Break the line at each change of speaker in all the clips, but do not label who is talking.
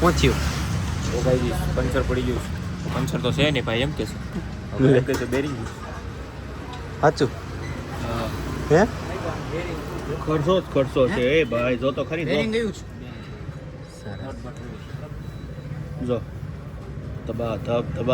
પહોંચ્યું
ઓ ભાઈ પંચર પડી ગયું પંચર તો છે નહીં ભાઈ એમ કે છે એમ કે છે બેરિંગ
સાચું હે
ખર્ચો છે એ ભાઈ જો તો ખરી
બેરિંગ ગયું છે
જો તબા ધબ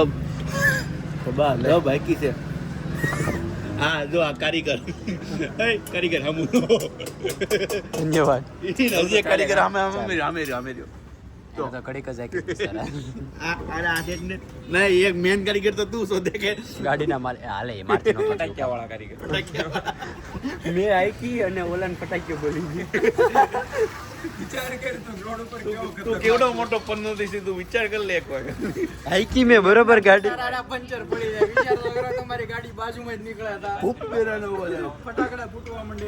બાકી છે હા જો આ કારીગર કારીગર હમું
ધન્યવાદ
હજી એક કારીગર આમે રહ્યો
તો કડીક જ આકી
નહીં એક મેન કારીગર તો તું શોધે કે
ગાડીના માલ હાલે મારતી નો
ફટાક્યા વાળા કારીગર
મેં આઈકી અને ઓલાને ફટાક્યો બોલી
વિચાર કર તું રોડ ઉપર કેવો
તું કેવડો મોટો પન્નો દીસી તું વિચાર કર લે એક વાર
આઈકી મેં બરોબર ગાડી
પંચર પડી જાય વિચાર તો કરો તમારી ગાડી બાજુમાં જ નીકળ્યા હતા
ખૂબ પેરાનો બોલે
ફટાકડા ફૂટવા માંડે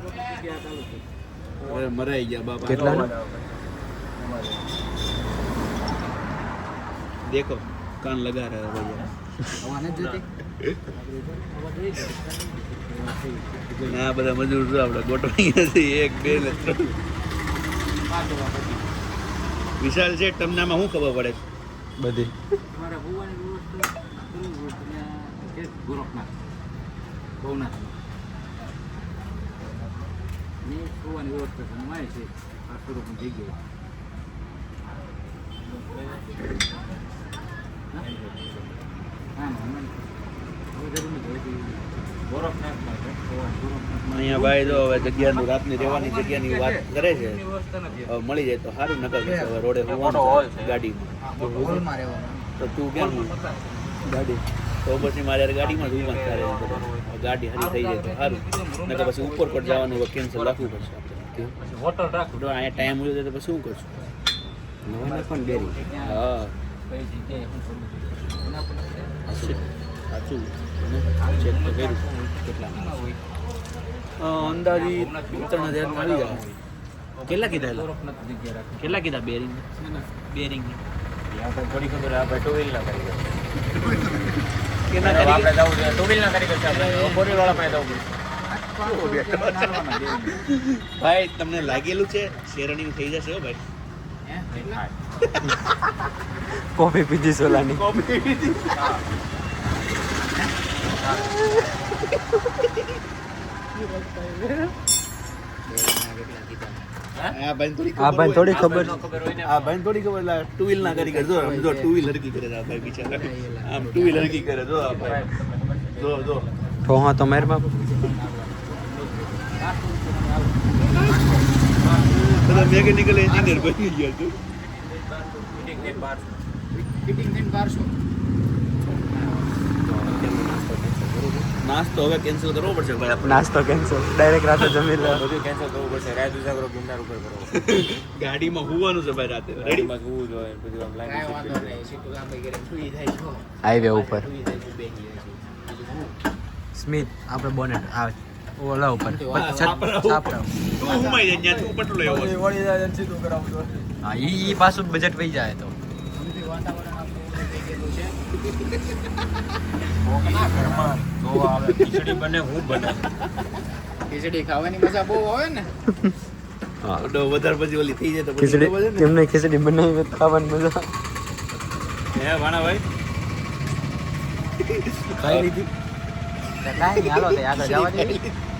અરે મરાઈ ગયા બાપા
કેટલા
देखो कान लगा रहा है भैया
હવાને જ જતી
આ બધા મજૂર જો આપણે ગોઠવાઈ નથી 1 2 ને 3 વિશાલ છે તમને આમાં શું ખબર પડે
બધી
મારા ભુવાની વ્યવસ્થા કે ગોરખનાથ ભવનાથ ની ભુવાની વ્યવસ્થા સમાય છે આ સ્વરૂપની જગ્યાએ અહીંયા ભાઈ જો હવે જગ્યાનું રાતની રહેવાની જગ્યાની વાત કરે છે હવે મળી જાય તો સારું નકર હવે રોડે ગાડીમાં તો તું કેમ ગાડી તો પછી મારે ગાડીમાં જ ઊભા તારે ગાડી હારી થઈ જાય તો સારું નકર પછી ઉપર પર જવાનું કેન્સલ રાખવું પડશે આપણે
હોટલ રાખ
અહીંયા ટાઈમ મળ્યો તો પછી શું કરશું
નવાને પણ બેરી
હા સાચું ચેક તો કર્યું કેટલા અંદાજી 3,000 આવી જાય કેટલા કીધા બેરિંગ
થોડી ખબર આપણે ટુ વ્હીલ ના કરી
કેટલા
આપણે જવું છે ટુ વ્હીલ ના કરી છે આપણે ફોર વ્હીલ વાળા પાસે જવું પડશે
ભાઈ તમને લાગેલું છે શેરણી થઈ જશે હો ભાઈ
કોફી પીધી સોલાની
આ ભાઈ થોડી
ખબર
આ ભાઈ થોડી ખબર લા ટુ વ્હીલ ના કરી કરજો આમ જો ટુ વ્હીલ હરકી કરે આ ભાઈ બિચારા આમ ટુ વ્હીલ હરકી કરે જો આ ભાઈ જો
ઠોહા તો મેર બાપ
બધા મેકેનિકલ એન્જિનિયર બની ગયા તું
ફિટિંગ થઈને 1200
નાસ્તો હવે કેન્સલ કરવો પડશે ભાઈ આપણે
નાસ્તો કેન્સલ ડાયરેક્ટ રાતે જમી લે
બધું કેન્સલ કરવું પડશે રાત ઉજાગરો ગિરનાર ઉપર કરવો
ગાડીમાં હોવાનું છે ભાઈ રાતે રેડી
માં જોવું જોઈએ બધું આમ
કાંઈ વાંધો
લાઈન
નહીં સીટું ગામ વગેરે સુઈ જાય છો
હાઈવે ઉપર
સુઈ જાય છો બેસી જાય છો
સ્મિત આપણે બોનેટ આવે ઓલા ઉપર
છાપરા
છાપરા
તું હુમાઈ જાય ત્યાં તું પટલો એવો છે.
વળી જાય સીધું કરાવતો
હા ઈ પાછું બજેટ વહી જાય તો
વાતાવરણ આપણું થઈ ગયેલું છે
તો આવે ખીચડી બને હું બને
ખીચડી ખાવાની મજા બહુ આવે ને
હા
તો વધારે પછી ઓલી થઈ જાય તો પછી
ખીચડી
ખબર છે ને?
તેમને ખીચડી બનાવી હોય તો ખાવાની મજા
હે ભાણાભાઈ
ખાઈ લીધી કાંઈ નહીં હાલો તો આગળ જવા દે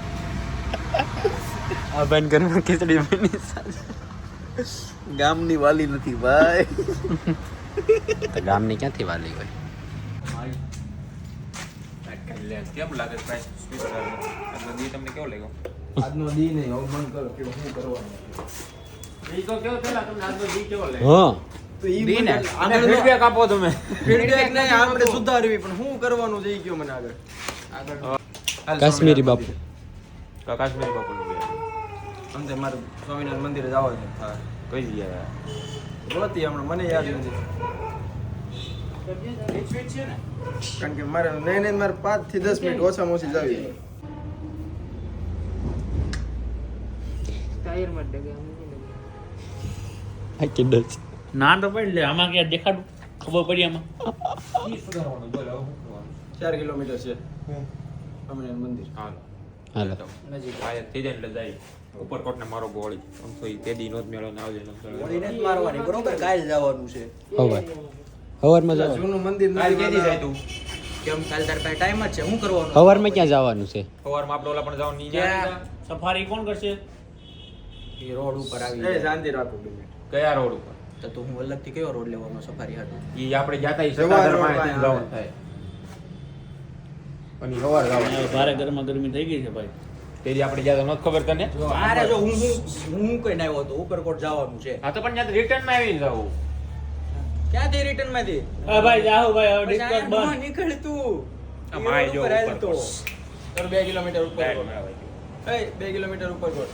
આ બેન ઘરમાં ખીચડી બની
ગામની વાલી નથી ભાઈ
તો ગામની ક્યાંથી વાલી હોય
કેમ લાગે પ્રાઇસ સ્પીકર આજનો દી તમને કેવો લાગ્યો
આજનો દી નહીં હવે મન કરો કે શું કરવાનું
ઈ તો કેવો પેલા તમને આજનો દી કેવો લાગ્યો
હા
તો ઈ
દી ને.
આને ફીડબેક આપો તમે
ફીડબેક નહીં આપણે સુધારવી પણ શું કરવાનું છે ઈ કયો મને આગળ
કાશ્મીરી બાપુ
કાશ્મીરી બાપુનું બી
અંતે મારે સ્વામિનારાયણ મંદિરે જવા છે હા
કઈ જગ્યાએ
ગોતી હમણાં મને યાદ નથી કારણ કે મારે નહીં મારે 5 થી 10 મિનિટ ઓછામાં ઓછી જાવી
આ કે ડચ
ના તો પડી લે આમાં ક્યાં દેખાડું ખબર પડી આમાં
4 કિલોમીટર છે સ્વામિનારાયણ મંદિર
હાલો
હાલો
નજીક
આયા થઈ જાય એટલે જાય ઉપરકોટ ને મારો ગોળી આમ તો ઈ તે દી નો જ મેળો ને આવજે
ગોળીને જ મારવાની બરોબર કાલ જવાનું છે
હવે હવારમાં જવાનું
જૂનું મંદિર કાલ કેદી જાય તું કેમ કાલ તાર પાસે ટાઈમ જ છે શું કરવાનું
હવારમાં ક્યાં જવાનું છે
સવારમાં આપણે ઓલા પણ જવાનું નહીં
ક્યાં?
સફારી કોણ કરશે
એ રોડ ઉપર આવી
એ
જાય.
શાંતિ રાખો
કયા રોડ ઉપર
તો તું હું અલગથી કયો રોડ લેવાનો સફારી હાટું
ઈ આપણે જાતા ઈ
સવાર
સત્તાધાર
રોડ
પાસે
પાસે
જવાનું થાય અને ઈ સવાર જવાનું
ભારે ગરમા ગરમી થઈ ગઈ છે ભાઈ
તેરી આપણે જાતા નહોત ખબર તને
મારે જો હું કઈ આવ્યો તો ઉપરકોટ જવાનું છે
હા તો પણ ત્યાં રિટર્ન માં આવીને જાવું
ક્યાંથી રિટર્ન માંથી
હા ભાઈ જાહો ભાઈ હવે
પછી
ડિસ્કસ
અહીંયા
બંધ
નીકળ તું
આ માય જો
ઉપર હાલ
ઉપર
તો.
કોટ.
તારું 2 કિલોમીટર ઉપર
ડાયરેક્ટ
કોટ.
મેળવાય.
એ 2 કિલોમીટર ઉપર કોટ.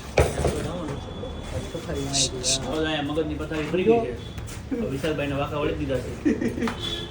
હવે અહીંયા મગજની પથારી ફરી ગઈ છે હવે વિશાલભાઈને વાંકા વળી દીધા છે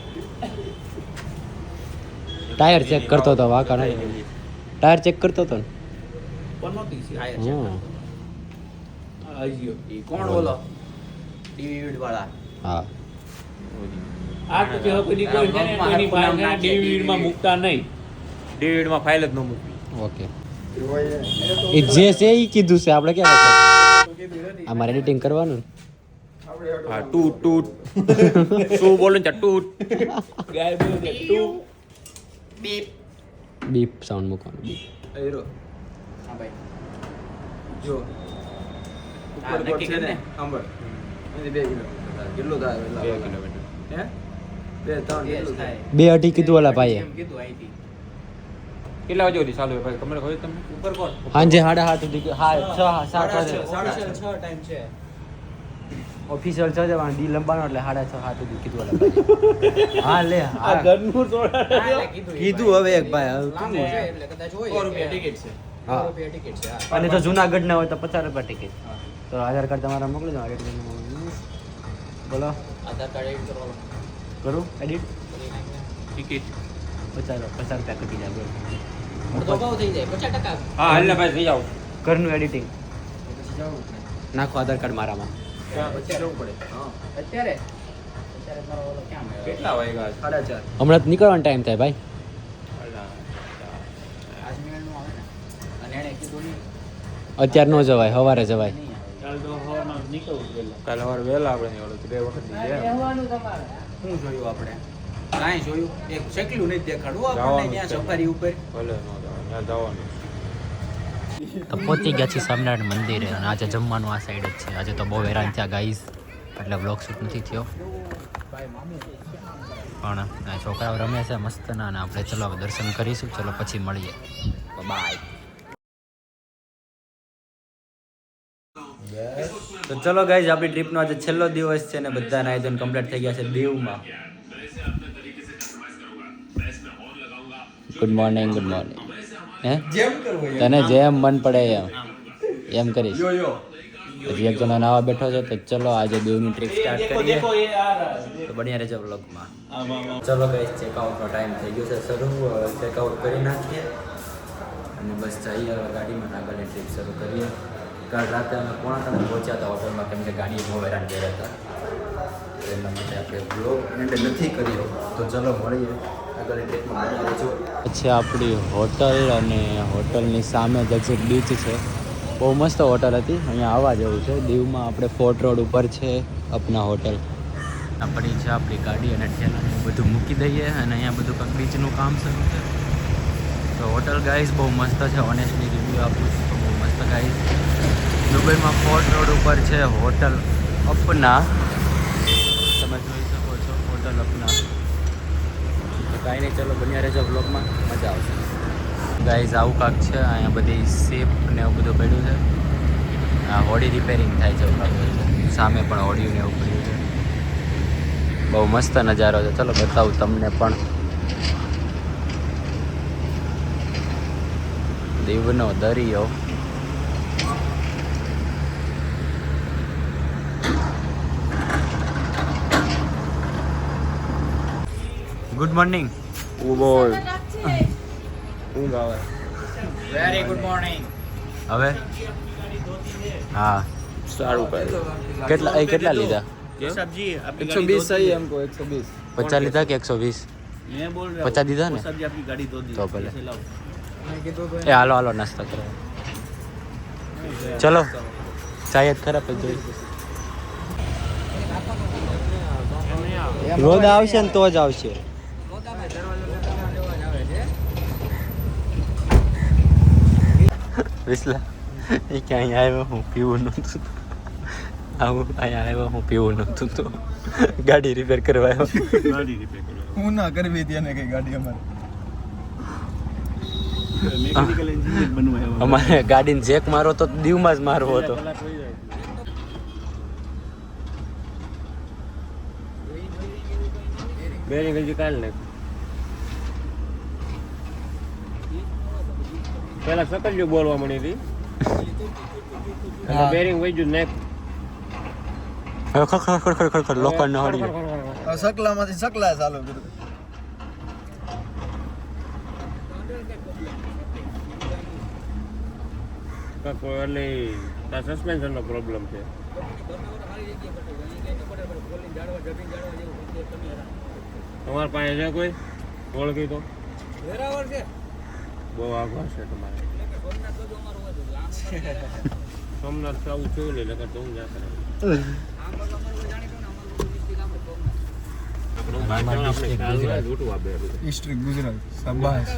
ટાયર ચેક કરતો હતો વાંકા નહીં ટાયર ચેક કરતો હતો ને
પણ નહોતી છે
આયા છે.
હા
આજીઓ
ઈ કોણ બોલો ડીવીડ વાળા
હા
આ તો કે હવે કોઈની કોઈ છે ને કોઈની પાસે છે ને DVD માં મૂકતા નહીં
DVD માં ફાઇલ જ ન મૂકવી
ઓકે એ જે છે એ કીધું છે આપણે ક્યાં અમારે એડિટિંગ કરવાનું
હા ટૂટ ટૂટ શું બોલું છે ટૂટ
ગાય બોલે છે તું
બીપ
બીપ સાઉન્ડ મૂકવાનું બીપ
હીરો હા ભાઈ જો
ઉપર
નક્કી
કોટ છે
કરીને.
ને અંબર એની 2 કિલોમીટર કેટલું થાય
2 કિલોમીટર
હે 2 3
Yes,
કેટલું
થાય.
થાય
2 અઢી કીધું ઓલા ભાઈએ
એમ કીધું અહીંથી.
કેટલા વાગે સુધી ચાલુ હોય ભાઈ ખબર હોય તમને
ઉપરકોટ
સાંજે 7:30 સુધી હા 6
સાડા
7
છ ટાઈમ છે
ઓફિશિયલ 6 જવાનું દી લંબાનો એટલે 6:30 7 સુધી કીધું ઓલા ભાઈએ હા લે
આ
હા
ઘરનું સોડા
હા, એટલે કીધું
કીધું હવે એક ભાઈ હવે
લાંબુ છે એટલે કદાચ હોય
100 રૂપિયા ટિકિટ છે
100 રૂપિયા ટિકિટ છે હા.
અને જો જુનાગઢ ના હોય તો 50 રૂપિયા ટિકિટ તો આધાર કાર્ડ તમારા મોકલી દો બોલો
આધાર કાર્ડ એડ કરવાનું
કરું એડિટ
કરી નાખીને.
ટિકિટ
50 રૂપિયા કટી જાય બોલો
અડધો ભાવ થઈ જાય 50%.
હા હાલ ને ભાઈ જઈ આવો
ઘરનું એડિટિંગ
પછી જવું જ નહીં.
નાખો આધાર કાર્ડ મારામાં
પછી જવું પડે
હા. અત્યારે મારો ઓલો ક્યાં મળ્યો?
કેટલા વાગ્યા છે?
4:30
હમણાં જ નીકળવાનો ટાઈમ થાય ભાઈ
આજ મિનિટનું આવે ને અને એણે કીધું નહીં
અત્યારે ન જવાય સવારે જવાય
નહીં આવે.
ચાલ તો હવારમાં નીકળવું પહેલા
કાલે સવારે વહેલા આપણે નીકળો તો 2 વખત ની
શું જોયું આપણે કાંઈ જોયું એક શેકલું નહીં દેખાડવું આપણને
જવાનું
ત્યાં
છે.
સફારી ઉપર
ભલે ન જવાનું ત્યાં જવાનું
તો પહોંચી ગયા છીએ સ્વામિનારાયણ મંદિરે અને આજે જમવાનું આ સાઈડ જ છે આજે તો બહુ હેરાન થયા ગાઈઝ એટલે બ્લોગ શૂટ નથી થયો પણ આ છોકરાઓ રમે છે મસ્ત ના અને આપણે ચલો હવે દર્શન કરીશું ચલો પછી મળીએ બાય તો ચલો ગાઈઝ આપણી ટ્રીપનો આજે છેલ્લો દિવસ છે ને બધા નાઈ ધોઈને કમ્પ્લીટ થઈ ગયા છે દીવમાં ગુડ મોર્નિંગ હે
જેમ કરવું
તને જેમ મન પડે એમ કરીશ હજી એક જણો નવા બેઠો છે તો ચલો આજે દેવની ટ્રીપ સ્ટાર્ટ કરીએ તો બન્યા રહેજો વ્લોગમાં ચલો ગાઈસ ચેકઆઉટનો ટાઈમ થઈ ગયો છે શરૂ ચેકઆઉટ કરી નાખીએ અને બસ જઈએ હવે ગાડીમાં આગળની ટ્રીપ શરૂ કરીએ કાલ રાતે અમે 2:30 પહોંચ્યા હતા હોટલમાં કેમ કે ગાડી બહુ હેરાન ગયા હતા તો એના માટે આપણે બ્લોગ એન્ડ નથી કર્યો તો ચલો મળીએ આગળની ટ્રીપમાં બન્યા રહેજો પછી આપણી હોટલ અને હોટલની સામે જ એક્ઝેક્ટ બીચ છે બહુ મસ્ત હોટલ હતી અહીંયા આવવા જેવું છે દીવમાં આપણે ફોર્ટ રોડ ઉપર છે અપના હોટલ આપણી છે આપણી ગાડી અને ઠેલાને બધું મૂકી દઈએ અને અહીંયા બધું કંઈક બીચનું કામ શરૂ છે તો હોટલ ગાઈઝ બહુ મસ્ત છે ઓનેસ્ટલી રિવ્યૂ આપું છું તો બહુ મસ્ત ગાઈઝ દુબઈમાં ફોર્ટ રોડ ઉપર છે હોટલ અપના તમે જોઈ શકો છો હોટલ અપના તો કાંઈ નહીં ચલો બન્યા રહેજો બ્લોગમાં મજા આવશે ગાઈઝ આવું કાંક છે અહીંયા બધી શેપ ને એવું બધું પડ્યું છે આ હોડી રિપેરિંગ થાય છે એવું લાગે છે સામે પણ હોડિયું ને એવું પડ્યું છે બહુ મસ્ત નજારો છે ચલો બતાવું તમને પણ દીવનો દરિયો ગુડ મોર્નિંગ
બોલ ઊંઘ આવે
વેરી ગુડ મોર્નિંગ
હવે હા
સારું કરે
કેટલા લીધા
सब्जी आपकी
120 सही है हमको 120
50 લીધા કે 120
मैं बोल रहा
50 દીધા ને
सब्जी आपकी गाड़ी दो दी
तो भले।
लाओ
મેં કીધું તો
એ હાલો નાસ્તા કરો ચલો ચાય જ ખરાબ જ જોઈ રોદ આવશે ને તો જ આવશે વિસલા એ ક્યાં આવ્યો હું પીવું નહોતું આવું અહીંયા આવ્યો હું પીવું નહોતું તો ગાડી રિપેર કરવા આવ્યો
હું ના કરવી હતી એને કઈ ગાડી અમારે મેકેનિકલ એન્જિનિયર બનવા આવ્યો
અમારે ગાડીને જેક મારો તો દીવમાં જ મારવો હતો
બેરિંગ હજી કાઢ લે પેલા સકલ્યું બોલવા મળી હતી બેરિંગ વહી ગયું નેક
ખડ લોખંડ ન હળી
સકલામાંથી સકલા ચાલુ કર્યું
એટલે તાર સસ્પેન્શન નો પ્રોબ્લેમ છે તમારા પાસે છે કોઈ ઓળખી તો બહુ આગળ છે તમારે સોમનાથ તો આવું જોયું નહીં લગર તો હું જ્યાં કરે
ડિસ્ટ્રિક્ટ ગુજરાત સંભાષ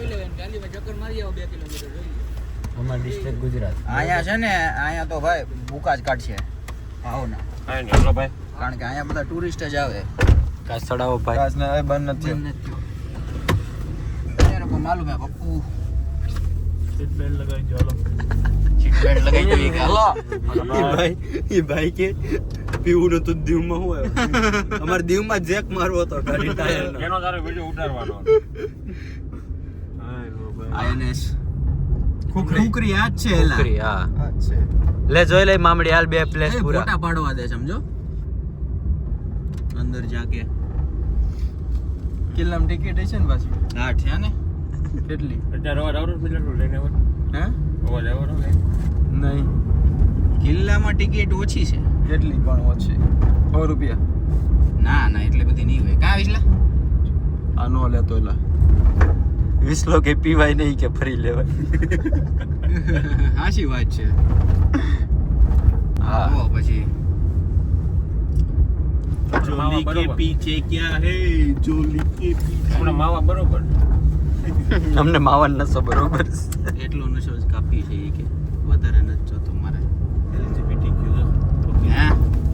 અમાર ડિસ્ટ્રિક્ટ ગુજરાત
અહીંયા છે ને અહીંયા તો ભાઈ ભૂકા જ કાઢશે આવો ના
કાંઈ નહીં હલો ભાઈ
કારણ કે અહીંયા બધા ટુરિસ્ટ જ આવે
કાચ ચડાવો ભાઈ
કાચ ના બંધ નથી
એને કોઈ માલુમ હે પપ્પુ
સીટ બેલ્ટ લગાવી જો હાલો
સીટ બેલ્ટ લગાવી દઈએ કે હાલો
એ ભાઈ કે પીવું નતું દીવમાં હું આવ્યો અમારે દીવમાં જેક મારવો હતો ગાડી ટાયરનો
એનો તારે વિડિયો ઉતારવાનો
આઈએનએસ
ખુકરી આ જ છે એલા
ખુકરી, હા
આ જ છે
લે જોઈ લે મામડી હાલ બે પ્લેસ પૂરા
ફોટા પાડવા દે સમજો અંદર જાકે
કિલ્લામાં ટિકિટ છે ને પાછી
હા છે ને
કેટલી
અત્યારે અવાજ આવડો મિનિટ લઈને આવો
હે
અવાજ આવડો ને
નહીં
કિલ્લામાં ટિકિટ ઓછી છે
કેટલી પણ ઓછી 100 રૂપિયા
ના ના એટલી બધી નહીં હોય કાં વિસલા
આ નો લેતો એલા
20 લોકો પીવાય નહીં કે ફરી લેવાય
હાચી વાત છે
હા
ઓ પછી
જોલી કે
પીછે ક્યા હે જોલી કે
હમણાં માવા બરોબર
અમને માવન નસો બરોબર
એટલો નશો જ કાપી છે એ કે વધારે નથી જોતો મારે
એલજીબીટીક્યુ
હા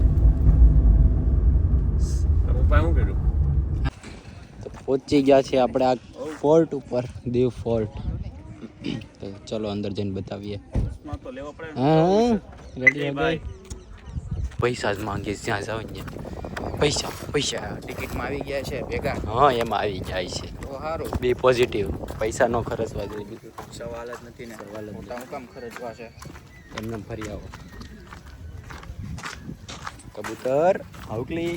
પપ્પા શું કર્યું
તો પહોંચી ગયા છે આપણે આ ફોર્ટ ઉપર દીવ ફોર્ટ તો ચલો અંદર જઈને બતાવીએ
માં તો લેવા પડે
હા રેડી ભાઈ પૈસા જ માંગીએ જ્યાં જાવ ત્યાં પૈસા પૈસા
ટિકિટમાં આવી ગયા છે ભેગા
હા એમાં આવી જાય છે
તો સારું
બે પોઝિટિવ પૈસા નો ખર્ચવા જોઈએ બીજું
સવાલ જ નથી ને
સવાલ જ નથી.
મોટા હું કામ ખર્ચવા છે
એમને ફરી આવો કબૂતર હાઉકલી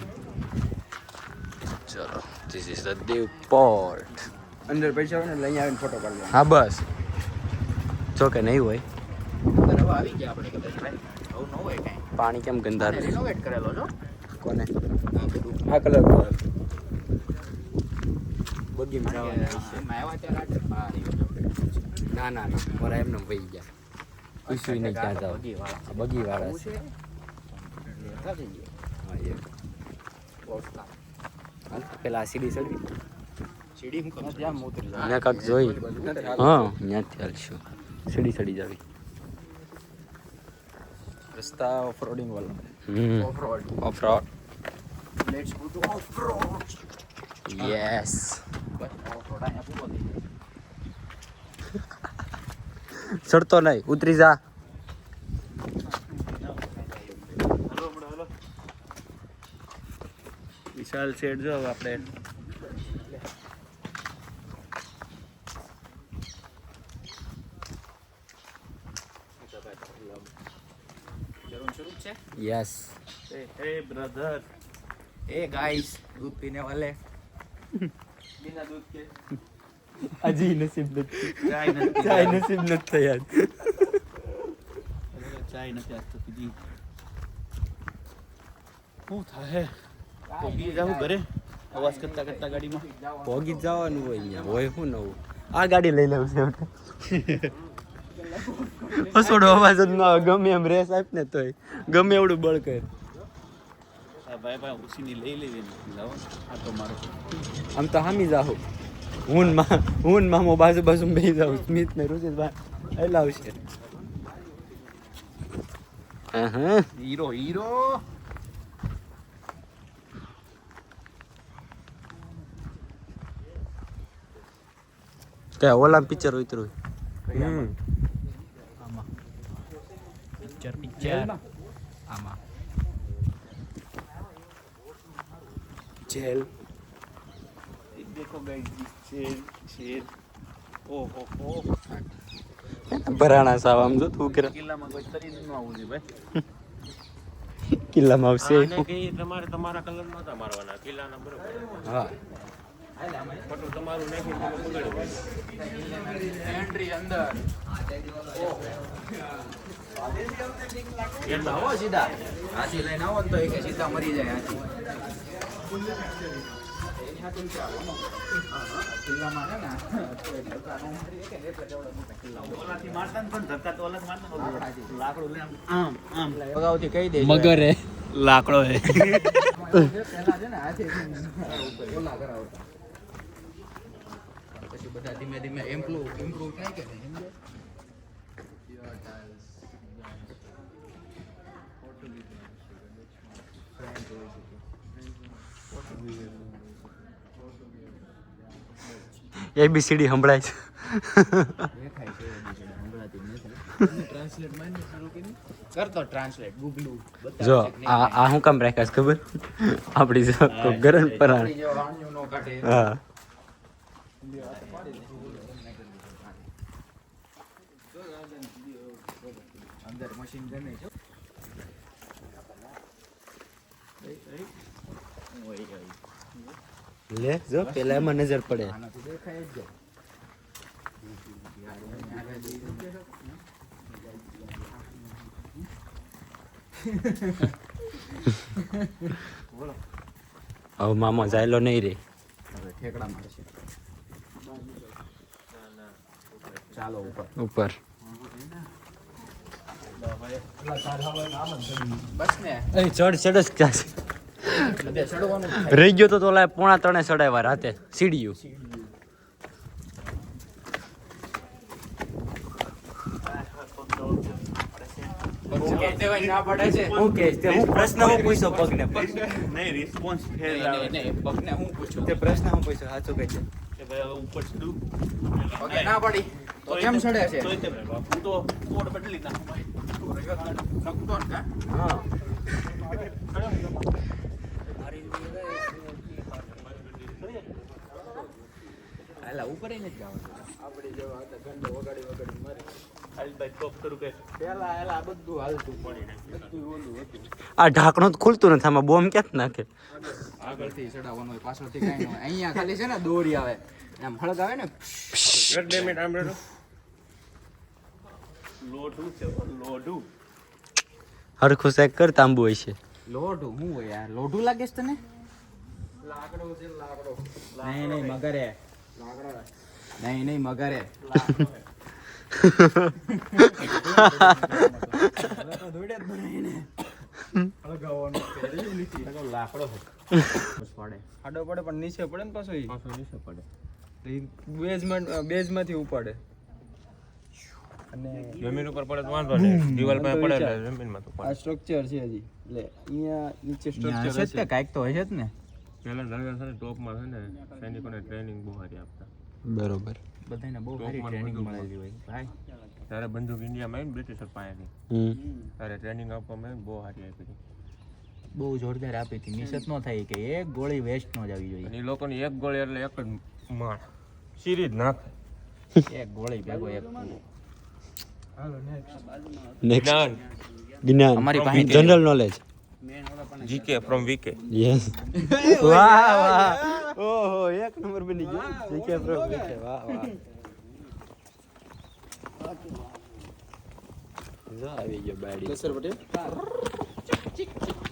ચલો this is the Diu port
અંદર પૈસા હોય ને લઈ આવીને ફોટો પાડી
હા બસ જો કે નહીં હોય
હવે આવી ગયા આપણે કદાચ ભાઈ આવું ન હોય કાંઈ
પાણી કેમ ગંધારું છે?
રિનોવેટ કરેલો છો
કોને
આ બધું
આ કલર બગી
એમાં આવ્યા ત્યારે આટલે બહાર આવ્યો.
ના ના ના મારા એમને વહી ગયા પૂછ્યું નહીં ક્યાં જાવ બગી વાળા છે
લેતા જઈએ.
હા, એ. હાલ, પેલા આ સીડી ચડવી
સીડી હું કમ ત્યાં ઉતરી જાવ.
ત્યાં કાંક જોઈ હા ત્યાંથી હાલશું સીડી ચડી જાવી
રસ્તા ઓફરોડિંગ વાળા
offroad.
Offroad
let's go to offroad.
Yes
બસ ઓફ-રોડ અહીંયા પૂરો થઈ જાય.
ચડતો નહીં ઉતરી જા
વિશાલ શેડ જો હવે આપણે
જરૂર શરૂ છે.
યસ
હે બ્રધર
ए गाइस दूध पीने वाले
बिना दूध के
હજી નસીબ નથી
ચાય નથી
ચાય નસીબ નથી થયા
ચાય નથી આજ તો પીધી શું થાય તો બી જાવ ઘરે અવાજ કરતા કરતા ગાડીમાં
ભોગી જ જવાનું હોય અહીંયા હોય શું નવું આ ગાડી લઈ લઉં છે હસોડો અવાજ જ ના આવે. ગમે એમ રેસ આપ ને તોય ગમે એવડું બળ કર.
ભાઈ ઉસીની લઈ લેવી ને લાવો આ તો મારો
આમ તો હામી જાહો. હું મામો બાજુ બેસી જાઉં. સ્મિત ને રુચિત એટલે આવશે. હા
હીરો
કે ઓલા પિક્ચર ઉતરું. પિક્ચર આમાં જેલ.
देखो गाइस शेर ओहो हो
ભરાણા સાવ આમ જો તું કરે.
કિલ્લામાં કોઈ તરી ન આવું છે ભાઈ.
કિલ્લામાં આવશે.
તમારા કલર નહોતા મારવાના કિલ્લાના બરોબર.
હા
પટુ તમારું નાખીને તમે બગાડો.
એન્ટ્રી અંદર આવો સીધા હાથી લઈને આવો ને તો એ કે સીધા મરી જાય હાથી. કિલ્લામાં છે ને
ઓલાથી મારતા ને પણ ધક્કા તો અલગ મારતા ને લાકડું લઈને આમ
અગાઉથી કહી દે
મગર હે.
લાકડો હે
પહેલા છે ને હાથી ઓલા કરાવતા પછી બધા ધીમે ધીમે ઇમ્પ્રુવ થાય કે નહીં સમજે.
ABCD સંભળાય છે.
દેખાય છે હમણાંથી નથી ટ્રાન્સલેટ માઈને શરૂ કરી કરતો ટ્રાન્સલેટ ગૂગલું
જો આ હું કામ રાખ્યા છે ખબર? આપડી જો કોઈ ગરમ પરાણ.
જેવો વાણિયું નો કાઢે
હા
અંદર મશીન ગમે છે.
લે જો પેલા એમાં નજર પડે.
આનાથી દેખાય જ જાય.
હવે મામો જાયલો નહીં રે.
હવે ઠેકડા મારશે. ચાલો
ઉપર
ઉપર બસ ને
ચડ જ ક્યાં
બધે ચડવાનું જ
રહી ગયો તો ઓલા 2:45 ચડાવ્યા રાતે સીડીયું.
થાય. ના પડે છે
હું કે હું પ્રશ્ન હું પૂછ્યો પગને
નહીં રિસ્પોન્સ ફેર
નહીં,
આવે
નહીં, નહીં, પગને હું પૂછું
તે પ્રશ્ન હું પૂછ્યો સાચું કહે છે.
કે ભાઈ હવે ઉપર ચડું
પગે ના પડી તો કેમ ચડે છે
તોય તે હું તો કોડ બદલી નાખું ભાઈ.
શકતો ને કાં?
હા
હાલા ઉપર ય નથી જવાનું. આપણે જેવા હતા ઘંટો વગાડી મારે
ખાલી ભાઈ ટોપ કરું કે
પેલા એલા બધું હાલતું બધું ઓલું હતું.
આ ઢાંકણું તો ખુલતું નથી. આમાં બોમ્બ ક્યાં નાખે?
આગળથી ચડાવવાનું હોય પાછળથી કાંઈ ન હોય. અહીંયા ખાલી છે ને દોરી આવે એમ હળગ આવે ને
લોઢું છે લોઢું
હરખું શેક કર તાંબુ હોય છે.
લોઢું શું હોય યાર લોઢું લાગે છે તને લાકડો છે લાકડો નહીં નહીં મગરે લાકડો નહીં મગરે લાકડો પડે
આડો પડે પણ નીચે પડે ને પાછો
નીચે પડે.
બેઝમાંથી ઉપાડે અને
જમીન ઉપર પડે તો વાંધો નહીં. દિવાલ પાસે પડે એટલે જમીનમાં તો
આ
પડે.
સ્ટ્રક્ચર છે હજી એટલે અહીંયા નીચે
ત્યાં
સ્ટ્રક્ચર
હશે જ તે કાંઈક તો હશે જ ને
પહેલા નરેન્દ્ર છે ને ટોપમાં છે ને સૈનિકોને ટ્રેનિંગ બહુ સારી આપતા.
બરોબર.
બધાને બહુ સારી ટ્રેનિંગ મળેલી હોય ભાઈ
ત્યારે બંદૂક ઇન્ડિયામાં આવી ને બ્રિટિશર પાસેથી ત્યારે ટ્રેનિંગ આપવામાં આવી ને બહુ સારી આપી હતી.
બહુ જોરદાર આપી હતી મિસ જ ન થાય કે એક ગોળી વેસ્ટ ન જવી જોઈએ
અને એ લોકોની એક ગોળી એટલે એક જ માણ સીરી જ નાખે.
એક ગોળી ભેગો એક
નેક્સ્ટ
જ્ઞાન
જ્ઞાન
અમારી પાસે
general knowledge.
G K from V K.
Yes. વાહ વાહ ઓહો એક નંબર બની ગયો. જીકે પ્રો જીકે વાહ વાહ. જો આવી ગયો બાડી.
સર પટેલ